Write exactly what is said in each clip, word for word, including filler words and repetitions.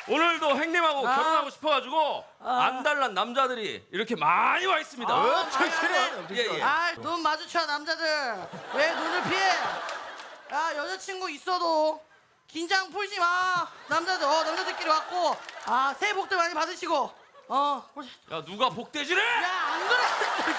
오늘도 형님하고 아. 결혼하고 싶어가지고 아. 안달난 남자들이 이렇게 많이 와 있습니다. 아. 예, 예. 아, 눈 마주쳐 남자들. 왜 눈을 피해? 야, 여자친구 있어도 긴장 풀지 마. 남자들, 어, 남자들끼리 왔고, 아, 새해 복들 많이 받으시고, 어, 보자. 야 누가 복대지래? 야, 안 그랬어.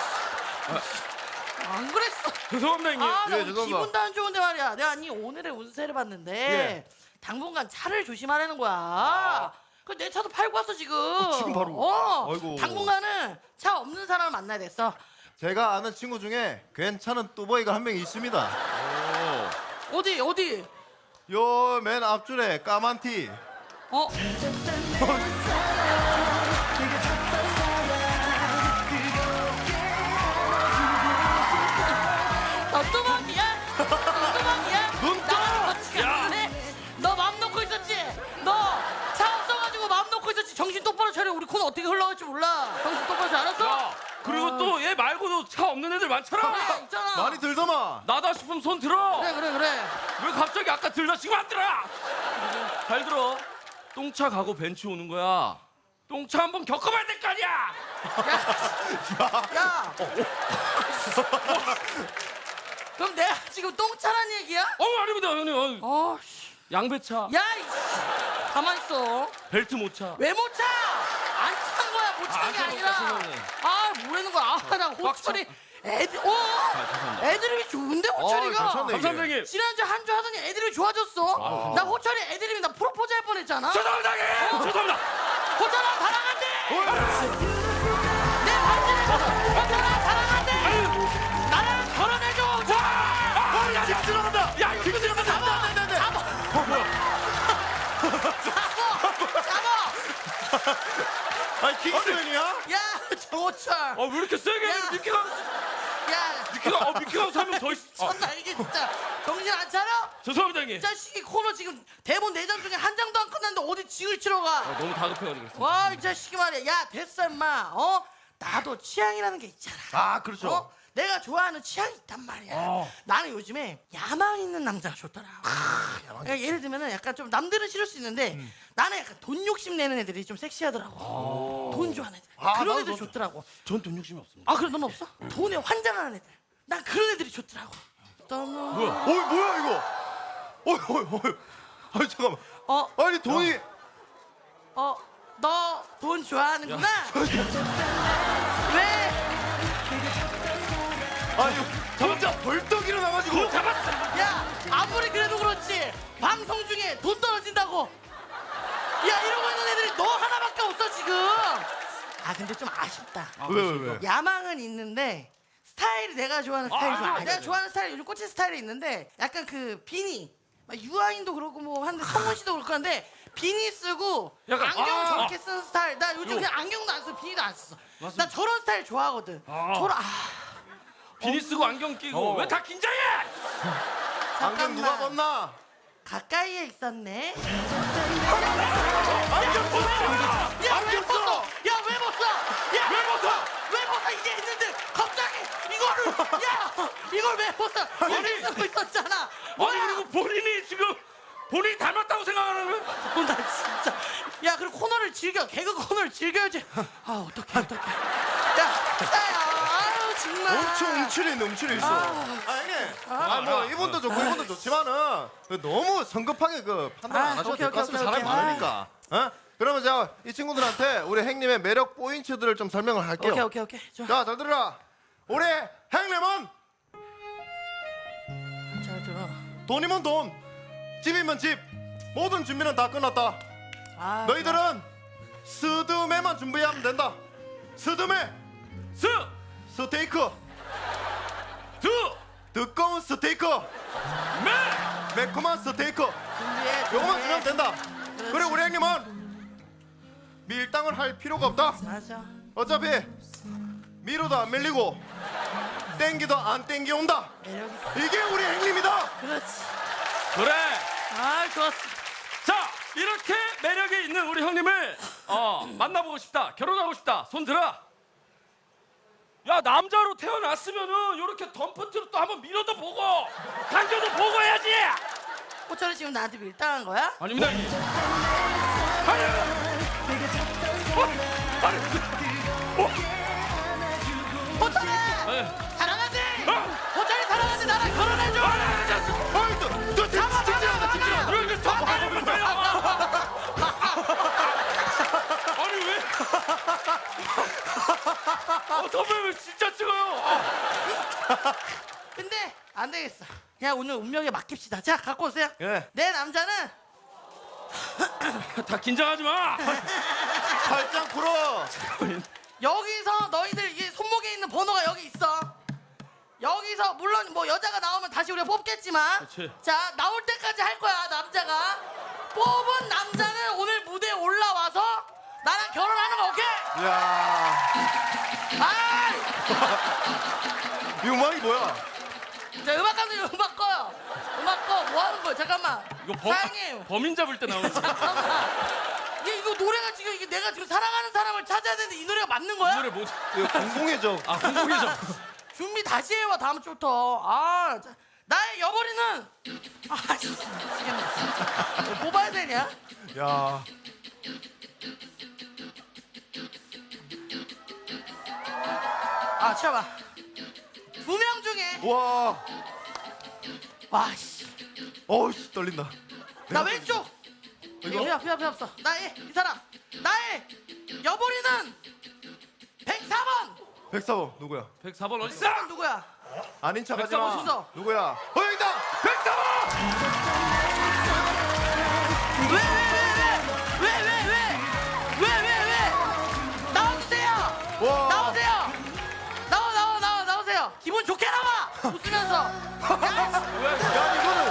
안 그랬어. 죄송합니다 형님. 아, 나 예, 오늘 죄송합니다. 기분도 안 좋은데 말이야. 내가 아니 오늘의 운세를 봤는데 예. 당분간 차를 조심하라는 거야. 그 내 차도 팔고 왔어 지금. 지금 바로? 어. 아이고. 당분간은 차 없는 사람을 만나야 됐어. 제가 아는 친구 중에 괜찮은 뚜보이가 한 명 있습니다. 어디 어디? 요 맨 앞줄에 까만 티. 어? 너 뚜벅이야? 너 뚜벅이야? 눈 떠! 야! 너맘 놓고 있었지? 너 차 없어가지고 맘 놓고 있었지? 정신 똑바로 차려. 우리 코너 어떻게 흘러갈지 몰라. 정신 똑바로 차려. 알았어? 야 그리고 또 얘 말고도 차 없는 애들 많잖아. 그래 있잖아. 많이 들더만. 나다 싶으면 손 들어. 그래 그래 그래. 왜 갑자기 아까 들다 지금 안 들어? 잘 들어. 똥차 가고 벤츠 오는 거야. 똥차 한번 겪어봐야 될 거 아니야. 야. 그럼 내가 지금 똥차란 얘기야? 어 아닙니다 형님. 어, 어, 씨. 양배차. 야, 이씨. 가만 있어. 벨트 못 차. 왜 못 차? 안 찬 거야, 못 아, 찬 안 게 찬 아니라. 거구나, 죄송해요. 아, 뭐라는 거야? 아, 나 호철이 애들, 어? 죄송합니다. 애드립이 좋은데, 호철이가? 괜찮네. 감사합니다 형님. 지난주 한 주 하더니 애드립이 좋아졌어. 나 호철이 애드립이 나 프로포즈 할 뻔했잖아. 죄송합니다 형님. 죄송합니다. 호철아, 사랑한대! 내 반지를 줬어. 호철아, 사랑한대! 나랑 결혼해줘, 호철아! 아, 야, 야, 들어간다. 야, 이거 들어간다. 잡아! 안 돼, 안 돼, 안 돼. 잡아! 어, 뭐야? 잡아! 잡아! 아니 킹스맨이야? 야, 정호철! 어, 왜 이렇게 세게? 야. 미키가, 야, 미키가, 어, 미키가 사면 더 있어. 어, 천나 이게 진짜 정신 안 차려? 죄송합니다 형님. 이 자식이 코너 지금 대본 네 장 중에 한 장도 안 끝났는데 어디 징을 치러 가? 어, 너무 다급해가지고 그랬어. 와, 이 자식이 말이야. 야, 됐어, 임마. 어? 나도 취향이라는 게 있잖아. 아 그렇죠. 어? 내가 좋아하는 취향이 있단 말이야. 어. 나는 요즘에 야망 있는 남자가 좋더라. 그러니까 예를 들면은 약간 좀 남들은 싫을 수 있는데 음. 나는 약간 돈 욕심 내는 애들이 좀 섹시하더라고. 돈 좋아하는 애들. 아, 그런 나도 애들 좀- 좋더라고. 전 돈 욕심이 없습니다. 아, 그래, 넌 없어? 돈에 환장하는 애들. 난 그런 애들이 좋더라고. 너무 뭐야? 어이 뭐야 이거? 어이 어이 어이. 아니 잠깐만. 어, 아니 돈이 어, 너 돈 좋아하는구나? 왜? 아니 혼자 벌떡 일어나가지고. 돈 잡았어. 야, 아무리 그래도 그렇지. 방송 중에 돈 떨어진다고. 야, 이러고 있는 애들이 너 하나밖에 없어, 지금. 아, 근데 좀 아쉽다. 왜 왜 왜? 야망은 있는데 스타일이 내가 좋아하는 스타일이 아, 좀 아니야. 아, 내가 네. 좋아하는 스타일이 요즘 꽂힌 스타일이 있는데 약간 그 비니. 막 유아인도 그렇고 뭐 한데 성훈 씨도 그렇고 한데 비니 쓰고 약간- 안경 아, 저렇게 쓰는 스타일. 나 요즘 요. 그냥 안경도 안 써, 비니도 안 써. 나 맞습니다. 저런 스타일 좋아하거든. 아. 저런 아, 비니 쓰고 안경 끼고 어. 왜 다 긴장해? 안경 누가 잠깐만. 벗나? 가까이에 있었네. 안경 벗어. 야, 왜 안경 벗어? 써. 야, 왜 벗어? 야, 왜 벗어? 왜 벗어? 이게 있는데 갑자기 이거를 야, 이걸 왜 벗어? 아니. 이거 쓰고 있었잖아. 아니 뭐야? 그리고 본인이 지금 본인이 닮았다고 생각하는 거야? 어, 나 진짜. 야, 그리고 코너를 즐겨. 개그 코너를 즐겨야지. 아, 어떡해, 어떡해. 야, 싸야. 아유, 정말. 엄청 움츠려 있네 움츠려 있어. 아. 아니 아뭐 이분도 좋고 이분도 좋지만은 그 너무 성급하게 그 판단 아, 안 하셔도 오케이, 될 것 오케이, 같습니다. 오케이, 사람이 오케이. 많으니까. 어? 그러면 제가 이 친구들한테 우리 행님의 매력 포인트들을 좀 설명을 할게요. 오케이, 오케이, 오케이. 좋아. 자, 잘 들으라. 우리 행님은 잘 들어. 돈이면 돈, 집이면 집, 모든 준비는 다 끝났다. 아, 너희들은 스드메만 준비하면 된다. 스드메, 스, 스테이크, 두, 두꺼운 스테이크, 매. 매콤한 스테이크. 준비해. 요거만 준비해. 주면 된다. 그렇지. 그래 우리 형님은 밀당을 할 필요가 없다. 맞아. 어차피 밀어도 안 밀리고 땡기도 안 땡겨온다. 매력 있어. 이게 우리 형님이다. 그렇지. 그래. 아, 좋았어. 자 이렇게 매력이 있는 우리 형님을 어, 만나보고 싶다, 결혼하고 싶다, 손 들어. 야 남자로 태어났으면은 이렇게 덤프트로 또 한번 밀어도 보고 당겨도 보고 해야지. 호철이 지금 나한테 밀당한 거야? 아닙니다 형님. 아니 어? 아니 어? 호철이 네. 사랑하지? 어? 호철이 사랑하지? 나랑 결혼해줘. 아니 아니 아니 어이 너너 잡아, 진짜 잡아, 진짜 진짜. 잡아. 이거 저 말을 못해요. 아니 왜? 어, 선배님 진짜 찍어요. 아. 근데 안 되겠어. 그냥 오늘 운명에 맡깁시다. 자, 갖고 오세요. 예. 내 남자는 다 긴장하지 마. 팔짱 풀어. 여기서 너희들 이게 손목에 있는 번호가 여기 있어. 여기서 물론 뭐 여자가 나오면 다시 우리가 뽑겠지만, 그치. 자 나올 때까지 할 거야 남자가. 뽑은 남자는 오늘 무대에 올라와서 나랑 결혼하는 거 오케이? 야, 아, 이 음악이 뭐야? 자 음악 감독님 음악 꺼요. 음악 꺼. 뭐 하는 거야? 잠깐만. 이거 범, 사장님. 범인 잡을 때 나오는 거. 잠깐만. 이게 이거 노래가 지금 이게 내가 지금 사랑하는 사람을 찾아야 되는데 이 노래가 맞는 거야? 이 노래 뭐지? 이거 공공의 적. 아 공공의죠. 준비 다시 해와 다음 주부터. 아, 자, 나의 여벌이는 아, 씨, 미치겠네. 진짜. 뽑아야 되냐? 야, 아, 쳐봐. 두 명 중에 와, 와, 씨, 어우씨 떨린다. 나 왼쪽. 이거 필요 필요 필요 없어. 나의 이 사람. 나의 여벌이는 백사 번. 백사 번 누구야? 백사 번 어디 있어? 백사 번 누구야? 아닌 척하지 백사 번 마. 순서. 누구야? 어 여기다. 백사 번. 왜 왜 왜 왜 왜 왜 왜 왜 왜 나와주세요. 와. 나오세요. 나와 나와 나와 나오세요. 기분 좋게 나와. 웃으면서. 야, 야 이거는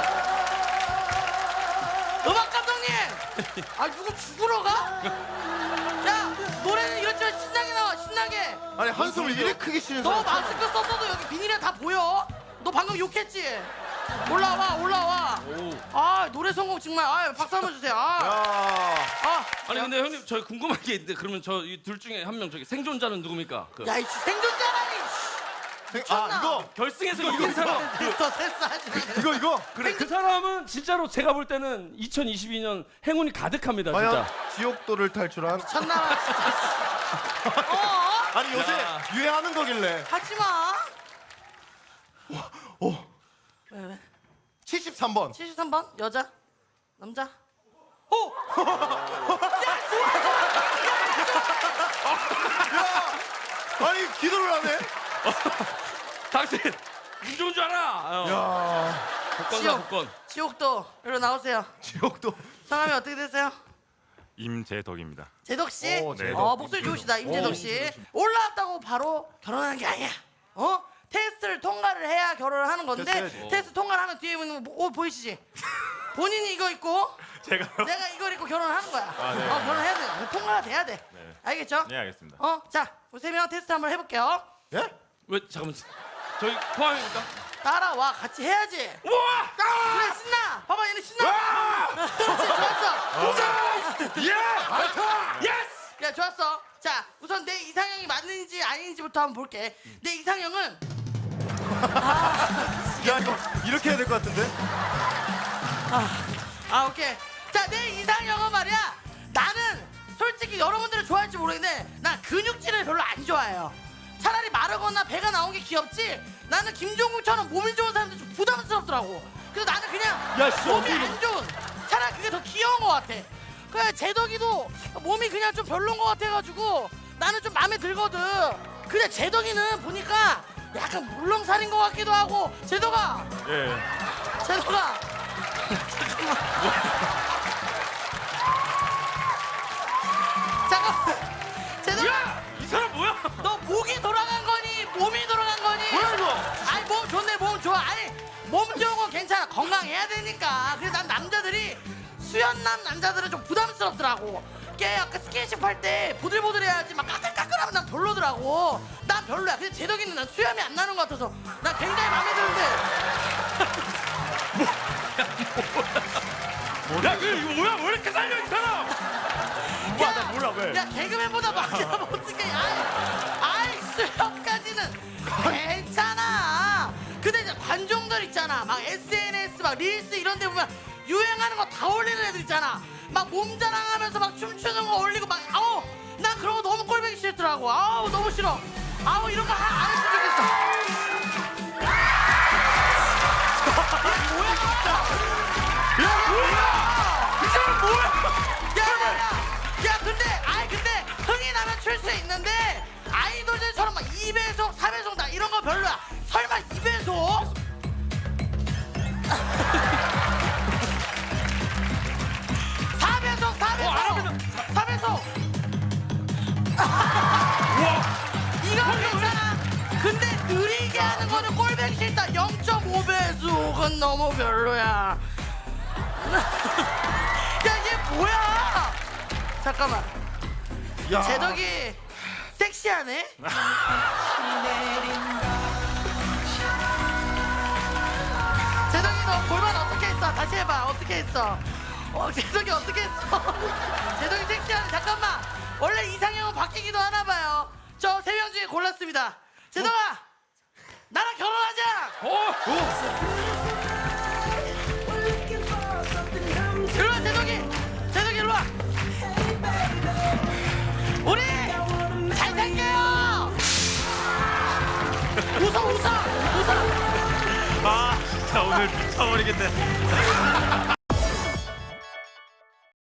음악 감독님. 아 누구 죽으러 가? 야 노래는 이렇지만 신나게 나와 신나게. 아니 한숨을 이렇게 크게 쉬는 너 사람. 마스크 썼어도 여기 비닐에 다 보여. 너 방금 욕했지? 올라와 올라와. 오. 아 노래 성공 정말. 아 박수 한번 주세요. 아, 야, 아. 아니 근데 형님 저 궁금한 게 있는데 그러면 저 이 둘 중에 한 명 저기 생존자는 누굽니까? 그 야 이 생존자라니. 생- 미쳤나? 아 이거 결승에서 이긴 사람. 됐어 됐어 하지 마. 이거 이거. 그래 그 사람은 진짜로 제가 볼 때는 이천이십이 년 행운이 가득합니다 과연 진짜. 지옥도를 탈출한. 미쳤나 진짜. 어? 아니 요새 야. 유행하는 거길래. 하지 마. 오, 왜 왜? 칠십삼 번. 칠십삼 번 여자 남자. 오. 야 좋아. 아니 기도를 하네. 당신 운 좋은 줄 알아. 어. 야, 복권 사 지옥. 복권. 지옥도 이리로 나오세요. 지옥도. 성함이 어떻게 되세요? 임재덕입니다. 제덕 씨. 오, 제덕. 어 목소리 좋으시다 임재덕 씨. 올라왔다고 바로 결혼하는 게 아니야. 어? 테스트를 통과를 해야 결혼을 하는 건데 테스트 테스트 통과를 하면 뒤에 있는 옷 보이시지? 본인이 이거 입고 제가요? 내가 이걸 입고 결혼을 하는 거야. 아, 네. 어 결혼해야 돼. 통과가 돼야 돼. 네. 알겠죠? 네, 알겠습니다. 어, 자, 우리 세 명 테스트 한번 해볼게요. 예? 왜 잠깐만. 저희 포함입니까? 따라와, 같이 해야지. 우와! 그래, 신나. 봐봐, 얘네 신나. 그렇지, 좋았어. 예! 알파! 예스! 야, 좋았어. 자, 우선 내 이상형이 맞는지 아닌지부터 한번 볼게. 내 이상형은 야 이거 이렇게 해야 될 것 같은데? 아, 오케이. 자, 내 이상형은 말이야. 나는 솔직히 여러분들은 좋아할지 모르겠는데 난 근육질을 별로 안 좋아해요. 차라리 마르거나 배가 나온 게 귀엽지. 나는 김종국처럼 몸이 좋은 사람들 좀 부담스럽더라고. 그래서 나는 그냥 야, 씨, 몸이 어디- 안 좋은. 차라리 그게 더 귀여운 것 같아. 그래 제덕이도 몸이 그냥 좀 별론 것 같아가지고 나는 좀 마음에 들거든. 근데 제덕이는 보니까 약간 물렁살인 것 같기도 하고. 제덕아, 예. 제덕아. 잠깐만. 제덕아. 야! 이 사람 뭐야? 너 목이 돌아간 거니 몸이 돌아간 거니? 뭐야 이거? 아니 몸 좋네 몸 좋아. 아니 몸 좋은 건 괜찮아. 건강해야 되니까. 그래서 난 남자들이 수연남 남자들은 좀 부담스럽더라고. 걔 아까 스킨십 할 때 보들보들해야지 막 까끌까끌하면 난 별로더라고. 난 별로야. 근데 제덕이는 난 수염이 안 나는 것 같아서 난 굉장히 마음에 드는데. 야, 그 이거 뭐야? 왜 이렇게 살려 이 사람? 뭐야, 나 몰라, 왜? 야 개그맨보다 막히면 어떡해. 아이, 아이 수염까지는 괜찮아. 근데 이제 관종들 있잖아. 막 에스엔에스 막 릴스 이런 데 보면 유행하는 거 다 올리는 애들 있잖아. 막 몸자랑하면서 막 춤추는 거 올리고 막 아우 난 그런 거 너무 꼴보기 싫더라고. 아우 너무 싫어. 아우 이런 거 안 했으면 좋겠어. 뭐야? 야 뭐야? 이 사람 뭐야? 야야야! 야 근데 아이 근데 흥이 나면 출 수 있는데 아이돌들처럼 막 이 배속, 사 배속 나 이런 거 별로야. 설마 이 배속? 사 배속, 사 배속, 사 배속. 이거 괜찮아. 근데 느리게 하는 거는 꼴보기 싫다. 영 점 오 배속은 너무 별로야. 야, 얘 뭐야? 잠깐만. 야. 제덕이 섹시하네. 제덕이 너 골반 어떻게 했어? 다시 해봐. 어떻게 했어? 어, 제덕이 어떻게 했어? 제덕이 섹시하네. 잠깐만. 원래 이상형은 바뀌기도 하나 봐요. 저 세 명 중에 골랐습니다. 제덕아, 나랑 결혼하자. 어? 일로 와, 제덕이. 제덕이 일로 와. 우리 잘 살게요. 웃어, 웃어, 웃어. 아 진짜 오늘 미쳐버리겠네.